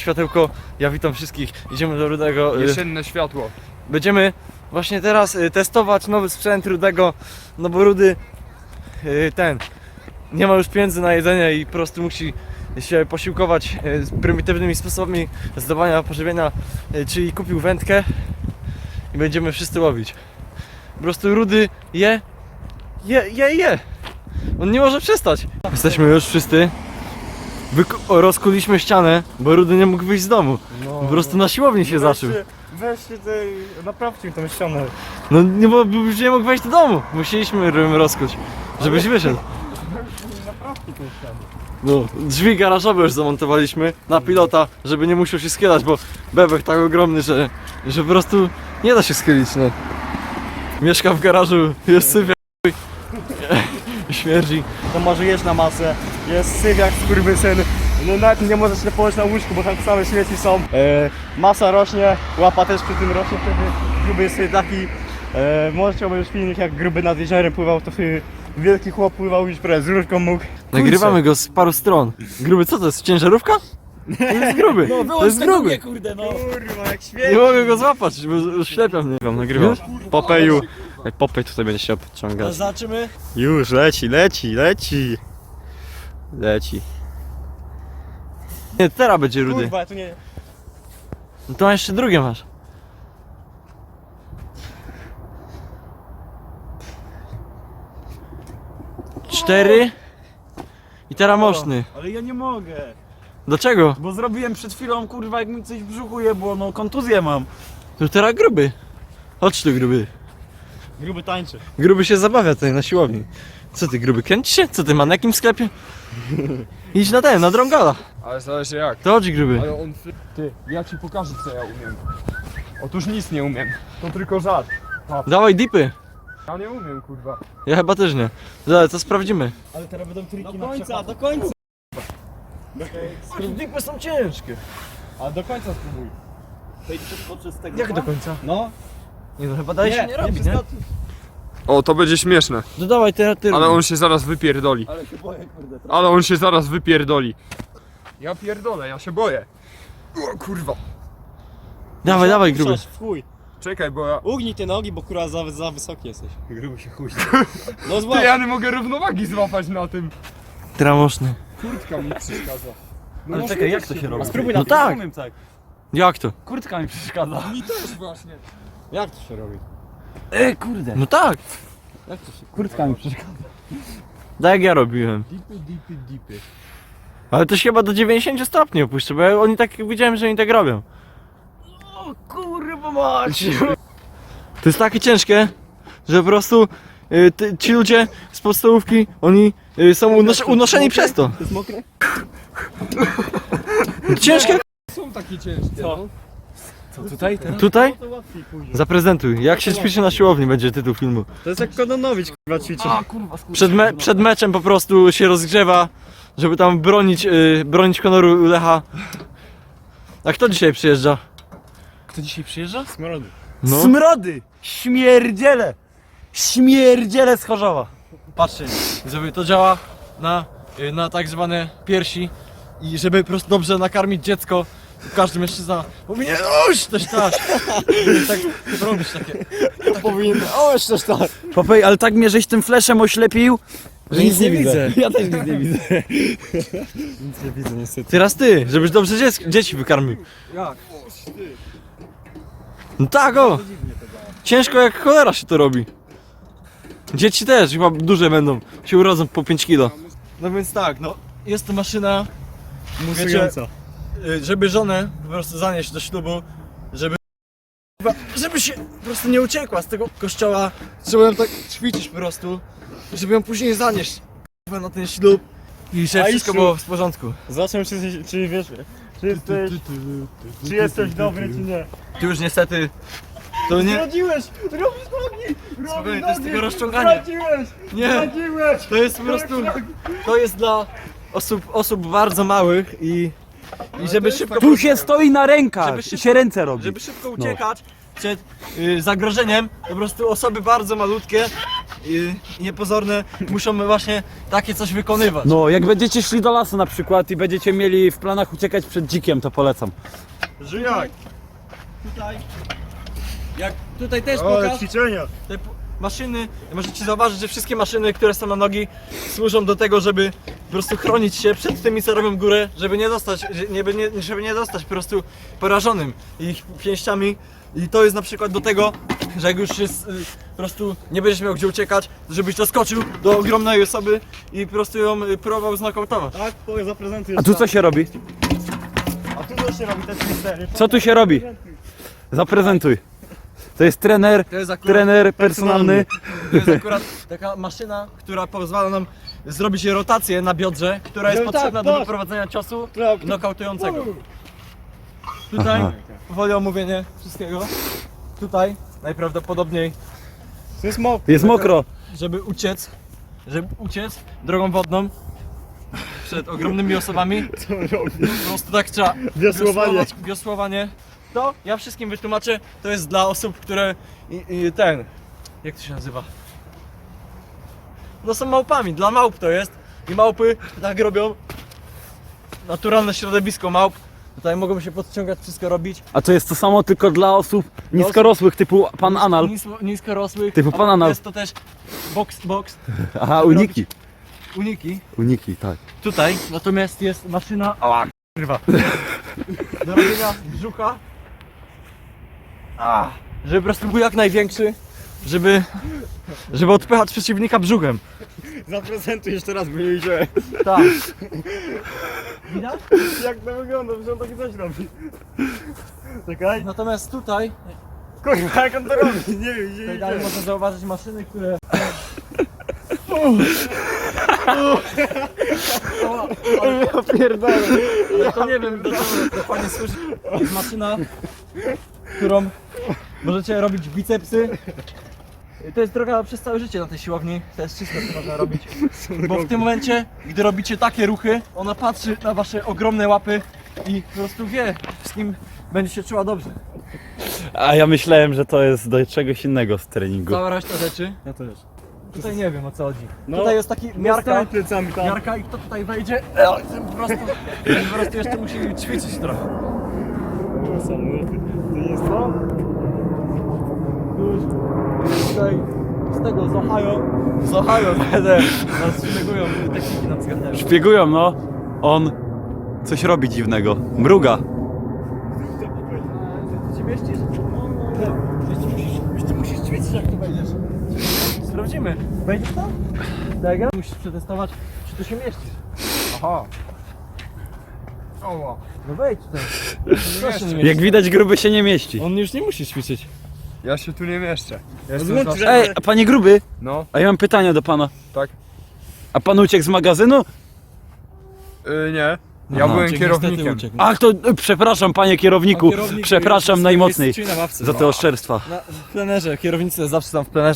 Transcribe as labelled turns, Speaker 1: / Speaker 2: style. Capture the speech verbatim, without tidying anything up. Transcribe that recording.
Speaker 1: światełko. Ja witam wszystkich. Idziemy do Rudego.
Speaker 2: Jesienne światło.
Speaker 1: Będziemy właśnie teraz testować nowy sprzęt Rudego. No bo Rudy ten nie ma już pieniędzy na jedzenie i po prostu musi się posiłkować z prymitywnymi sposobami zdawania pożywienia, czyli kupił wędkę i będziemy wszyscy łowić. Po prostu Rudy je, je, je, je. On nie może przestać. Jesteśmy już wszyscy. Wyku- rozkuliśmy ścianę, bo Rudy nie mógł wyjść z domu.
Speaker 3: No,
Speaker 1: Po prostu na siłowni się zaczął.
Speaker 3: Weźcie tutaj, naprawcie tą ścianę.
Speaker 1: No nie, bo już nie mógł wejść do domu. Musieliśmy ją rozkuć, żebyś wyszedł.
Speaker 3: Naprawcie tą ścianę.
Speaker 1: No, drzwi garażowe już zamontowaliśmy na pilota, żeby nie musiał się skierać, bo bebek tak ogromny, że, że po prostu nie da się schylić, no. Mieszka w garażu, jest syfia, śmierdzi.
Speaker 3: To może jeść na masę, jest syf jak skurwysyn. No nawet nie możesz się położyć na łóżku, bo tam same śmieci są. E, masa rośnie, łapa też przy tym rośnie, wtedy gruby jest sobie taki. E, możecie obejrzeć filmik, jak gruby nad jeziorem pływał, to wtedy wielki chłop pływał już prawie z różką mógł.
Speaker 1: Nagrywamy go z paru stron. Gruby, co to jest? Ciężarówka? To jest gruby,
Speaker 4: No
Speaker 1: to jest gruby.
Speaker 4: Nie, kurde, no.
Speaker 3: Kurwa, jak
Speaker 1: Nie
Speaker 3: świeci.
Speaker 1: mogę go złapać, bo ślepia mnie.
Speaker 3: Nagrywam. Popeju. Popej tutaj będzie się obciągać.
Speaker 4: Zobaczymy.
Speaker 3: Już, leci, leci, leci. Leci.
Speaker 1: Nie, teraz będzie Rudy.
Speaker 3: Kurwa, tu nie...
Speaker 1: No to jeszcze drugie masz. Cztery. I teraz moszny.
Speaker 4: Ale ja nie mogę.
Speaker 1: Dlaczego?
Speaker 4: Bo zrobiłem przed chwilą, kurwa, jak mi coś w brzuchu jebło, no kontuzję mam.
Speaker 1: To teraz gruby. Chodź tu, gruby.
Speaker 3: Gruby tańczy.
Speaker 1: Gruby się zabawia tutaj na siłowni. Co ty, gruby, kręcisz się? Co ty, manekin w sklepie? Idź na ten, na drągala.
Speaker 2: Ale zależy jak.
Speaker 1: To chodź, gruby.
Speaker 2: Ale on... Ty, ja ci pokażę co ja umiem. Otóż nic nie umiem. To tylko żart.
Speaker 1: Dawaj dipy.
Speaker 2: Ja nie umiem, kurwa.
Speaker 1: Ja chyba też nie. Zaraz, to sprawdzimy.
Speaker 4: Ale teraz będą triki
Speaker 3: Do
Speaker 4: na
Speaker 3: końca,
Speaker 4: przepad.
Speaker 3: do końca.
Speaker 1: Dipy są ciężkie.
Speaker 3: A do końca spróbuj.
Speaker 1: Jak do końca?
Speaker 3: No.
Speaker 1: Nie no, chyba daje się nie robić, nie?
Speaker 2: O, to będzie śmieszne.
Speaker 1: No dawaj, ty, ty
Speaker 2: Ale on się zaraz wypierdoli.
Speaker 4: Ale się boję, kurde.
Speaker 2: Ale on się zaraz wypierdoli. Ja pierdolę, ja się boję. O kurwa.
Speaker 1: Dawaj, dawaj, gruby.
Speaker 3: W chuj.
Speaker 2: Czekaj, bo ja...
Speaker 3: Ugnij te nogi, bo kurwa za, za wysoki jesteś. Gruby się chuj. No
Speaker 2: Ty,
Speaker 3: złap.
Speaker 2: ja nie mogę równowagi złapać na tym.
Speaker 1: Teraz moszny.
Speaker 2: Kurtka mi przeszkadza. No
Speaker 4: Ale
Speaker 2: może
Speaker 4: czekaj, jak
Speaker 2: też
Speaker 4: to się robi?
Speaker 3: Spróbuj
Speaker 1: No
Speaker 3: na
Speaker 1: tak.
Speaker 4: Umiem tak.
Speaker 1: Jak to?
Speaker 4: Kurtka mi przeszkadza.
Speaker 2: Mi też właśnie.
Speaker 3: Jak to się robi?
Speaker 4: Ej, kurde.
Speaker 1: No tak.
Speaker 3: Jak to się
Speaker 4: Kurtka mi przeszkadza.
Speaker 1: Tak jak ja robiłem.
Speaker 2: Dipy, dipy, dipy.
Speaker 1: Ale to się chyba do dziewięćdziesięciu stopni opuszczę, bo ja, oni tak widziałem, że oni tak robią.
Speaker 4: O kurwa mać.
Speaker 1: To jest takie ciężkie, że po prostu y, ty, ci ludzie z podstawówki, oni y, są unos unoszeni przez to.
Speaker 3: To jest mokre?
Speaker 1: Ciężkie?
Speaker 2: Są takie ciężkie.
Speaker 3: Co?
Speaker 2: No.
Speaker 4: Co tutaj teraz?
Speaker 1: Tutaj?
Speaker 3: To łatwiej później.
Speaker 1: Zaprezentuj. Jak się ćwiczy na siłowni będzie tytuł filmu.
Speaker 3: To jest jak Kononowicz kurwa ćwiczy.
Speaker 4: A kurwa, skurczę.
Speaker 1: Przed, me przed meczem po prostu się rozgrzewa, żeby tam bronić, y, bronić honoru Lecha. A kto dzisiaj przyjeżdża?
Speaker 4: Kto dzisiaj przyjeżdża?
Speaker 3: Smrody.
Speaker 1: No.
Speaker 4: Smrody! Śmierdziele! Śmierdziele z Chorzowa.
Speaker 1: Patrzcie, żeby to działa na, y, na tak zwane piersi i żeby po prostu dobrze nakarmić dziecko, każdy mężczyzna powinien oś też tak, tak robić takie.
Speaker 3: Powinien... O, jeszcze też tak.
Speaker 4: Popej, ale tak mnie żeś tym fleszem oślepił,
Speaker 1: Że nic nie widzę.
Speaker 4: Ja też nic nie widzę.
Speaker 3: Nic nie widzę niestety.
Speaker 1: Teraz ty, żebyś dobrze dziec dzieci wykarmił.
Speaker 4: Jak?
Speaker 1: No tak o! Ciężko jak cholera się to robi. Dzieci też chyba duże będą, się urodzą po pięć kilo. No więc tak, no jest to maszyna,
Speaker 3: Musująca.
Speaker 1: y, żeby żonę po prostu zanieść do ślubu, żeby żeby się po prostu nie uciekła z tego kościoła. Trzeba ją tak ćwiczyć po prostu, żeby ją później zanieść kurwa, na ten ślub i żeby
Speaker 3: A i
Speaker 1: wszystko
Speaker 3: ślub.
Speaker 1: było w porządku.
Speaker 3: Zobaczmy czy, czy wiesz, czy jesteś, czy jesteś dobry czy nie.
Speaker 1: Ty już niestety to nie.
Speaker 3: Zdradziłeś! Robisz nogi! Robisz
Speaker 1: Spokojnie, to jest
Speaker 3: nogi!
Speaker 1: tylko rozciąganie.
Speaker 3: Zdradziłeś!
Speaker 1: Nie,
Speaker 3: Zdradziłeś!
Speaker 1: to jest po prostu, to jest dla osób, osób bardzo małych i, i żeby szybko,
Speaker 4: Tu się stoi na rękach
Speaker 1: Żeby
Speaker 4: i
Speaker 1: szybko-
Speaker 4: się ręce robi.
Speaker 1: żeby szybko uciekać przed y, zagrożeniem, po prostu osoby bardzo malutkie i niepozorne muszą właśnie takie coś wykonywać.
Speaker 4: No, jak będziecie szli do lasu na przykład i będziecie mieli w planach uciekać przed dzikiem, to polecam.
Speaker 3: Żyjak!
Speaker 1: Tutaj, jak tutaj też
Speaker 3: Ale
Speaker 1: pokaż,
Speaker 3: ćwiczenia!
Speaker 1: te p- maszyny, możecie zauważyć, że wszystkie maszyny, które są na nogi, służą do tego, żeby po prostu chronić się przed tymi, co robią górę, żeby nie dostać, że- nie, nie, żeby nie dostać po prostu porażonym ich pięściami. I to jest na przykład do tego, że jak już jest, y, po prostu nie będziesz miał gdzie uciekać, żebyś doskoczył do ogromnej osoby i po prostu ją y, próbował znokautować.
Speaker 3: Tak, powiem, zaprezentuję.
Speaker 4: A tu co się robi?
Speaker 3: A tu co się robi, te twistery?
Speaker 4: Co tu się robi? Zaprezentuj. To jest trener,
Speaker 1: To jest akurat,
Speaker 4: trener personalny.
Speaker 1: to jest akurat taka maszyna, która pozwala nam zrobić rotację na biodrze, która jest
Speaker 3: No tak,
Speaker 1: potrzebna do
Speaker 3: patrz.
Speaker 1: wyprowadzenia ciosu
Speaker 3: Tak.
Speaker 1: nokautującego. Tutaj
Speaker 4: Aha.
Speaker 1: powoli omówienie wszystkiego. Tutaj najprawdopodobniej,
Speaker 3: To jest mok.
Speaker 4: Jest mokro.
Speaker 1: żeby uciec, żeby uciec drogą wodną przed ogromnymi osobami,
Speaker 3: Co robi?
Speaker 1: po prostu tak trzeba
Speaker 3: Wiosłowanie.
Speaker 1: wiosłować, wiosłowanie. To ja wszystkim wytłumaczę, to jest dla osób, które i, i ten, jak to się nazywa? No są małpami, dla małp to jest i małpy tak robią. Naturalne środowisko małp, tutaj mogą się podciągać, wszystko robić.
Speaker 4: A to jest to samo tylko dla osób niskorosłych typu pan Anal.
Speaker 1: Nisko, niskorosłych,
Speaker 4: Typu
Speaker 1: a
Speaker 4: pan Anal.
Speaker 1: jest to też box, box,
Speaker 4: Aha, uniki.
Speaker 1: uniki.
Speaker 4: Uniki, tak.
Speaker 1: Tutaj natomiast jest maszyna ała, kurwa, do robienia brzucha, a, żeby po prostu był jak największy, żeby, żeby odpychać przeciwnika brzuchem.
Speaker 3: Zaprezentuj jeszcze raz, bo nie widziałem.
Speaker 1: Tak. Widać?
Speaker 3: Jak to wygląda, że on takie coś robi. Czekaj.
Speaker 1: Natomiast tutaj,
Speaker 3: Kurwa, jak on to robi? Nie wiem, nie
Speaker 1: tutaj dalej
Speaker 3: widziałem.
Speaker 1: można zauważyć maszyny, które...
Speaker 3: Ja pierdolę.
Speaker 1: Ale to nie wiem, do czego dokładnie służy. To jest maszyna, którą możecie robić bicepsy. To jest droga przez całe życie na tej siłowni. To jest wszystko, co można robić. Bo w tym momencie, gdy robicie takie ruchy, ona patrzy na wasze ogromne łapy i po prostu wie, z kim będzie się czuła dobrze.
Speaker 4: A ja myślałem, że to jest do czegoś innego z treningu.
Speaker 1: Cała reszta rzeczy.
Speaker 3: Ja też.
Speaker 1: Tutaj nie wiem, o co chodzi.
Speaker 3: No,
Speaker 1: Tutaj jest taki miarka.
Speaker 3: Miarka plecami tam.
Speaker 1: Miarka i kto tutaj wejdzie, e, ten po prostu, ten po prostu jeszcze musi ćwiczyć trochę.
Speaker 3: O, samoloty. To jest to?
Speaker 1: Już tutaj z tego z Ohio, z Ohio będę nas szpiegują, techniki nam zgadzają.
Speaker 4: Szpiegują, no. On coś robi dziwnego. Mruga.
Speaker 1: Ty się mieścisz? No, jeszcze musisz, jeszcze musisz ćwiczyć jak tu wejdziesz. Sprawdzimy. Wejdziesz tam? Tak, ja? Musisz przetestować, czy tu się mieścisz.
Speaker 2: Aha. Oła.
Speaker 1: No wejdź tutaj. Proszę nie
Speaker 4: Jak
Speaker 1: mieścić.
Speaker 4: widać, gruby się nie mieści.
Speaker 1: On już nie musi ćwiczyć.
Speaker 2: Ja się tu nie mieszczę. Ja jestem
Speaker 3: Złącz
Speaker 2: zawsze...
Speaker 3: ręce.
Speaker 4: Ej, a panie gruby,
Speaker 2: No,
Speaker 4: a ja mam pytanie do pana.
Speaker 2: tak.
Speaker 4: A pan uciekł z magazynu?
Speaker 2: Yy, nie. Ja
Speaker 4: Aha.
Speaker 2: byłem
Speaker 1: Uciekł,
Speaker 2: kierownikiem.
Speaker 1: niestety uciekł.
Speaker 4: Ach, to e, przepraszam panie kierowniku.
Speaker 1: Kierownik
Speaker 4: Przepraszam
Speaker 1: jest-
Speaker 4: najmocniej
Speaker 1: jest na ławce.
Speaker 4: za te oszczerstwa.
Speaker 1: Na, w plenerze, kierownicy zawsze tam w plenerze.